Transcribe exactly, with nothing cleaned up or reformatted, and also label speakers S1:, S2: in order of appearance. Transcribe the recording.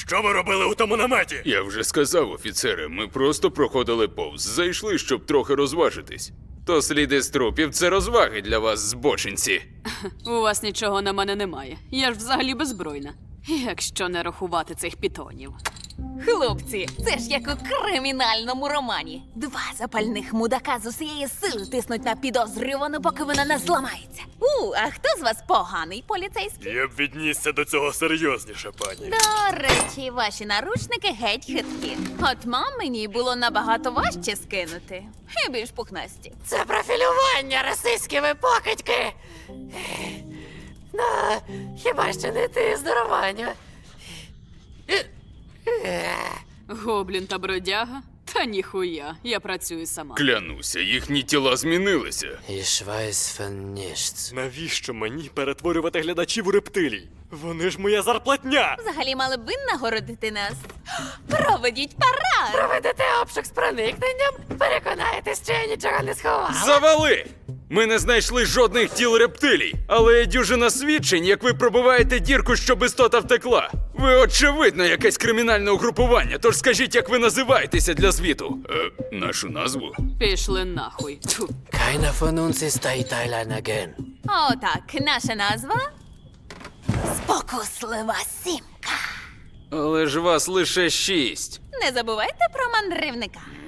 S1: Що ви робили у тому наметі?
S2: Я вже сказав, офіцере, ми просто проходили повз. Зайшли, щоб трохи розважитись. То сліди з трупів – це розваги для вас, збочинці.
S3: У вас нічого на мене немає. Я ж взагалі беззбройна. Якщо не рахувати цих пітонів.
S4: Хлопці, це ж як у кримінальному романі. Два запальних мудака з усієї сили тиснуть на підозрювану, поки вона не зламається. У, а хто з вас поганий поліцейський?
S1: Я б віднісся до цього серйозніше, пані.
S4: До речі, ваші наручники геть хиткі. От мамині було набагато важче скинути. І більш пухнасті.
S5: Це профілювання російськими покидьки. Ну, хіба що не ти, здорованю.
S3: Гоблін та бродяга? Та ніхуя, я працюю сама.
S2: Клянуся, їхні тіла змінилися.
S5: Ich weiß von nichts.
S1: Навіщо мені перетворювати глядачів у рептилій? Вони ж моя зарплатня!
S4: Взагалі мали б ви нагородити нас. Проведіть парад!
S5: Проведете обшук з проникненням, переконаєтесь, що я нічого не сховала.
S2: Завали! Ми не знайшли жодних тіл рептилій, але є дюжина свідчень, як ви пробиваєте дірку, щоб істота втекла. Ви, очевидно, якесь кримінальне угрупування, тож скажіть, як ви називаєтеся для звіту. Е, нашу назву?
S3: Пішли нахуй. Тьфу.
S5: Keiner von uns ist Thailand again.
S4: О, так, наша назва Спокуслива сімка.
S2: Але ж вас лише шість.
S4: Не забувайте про мандрівника.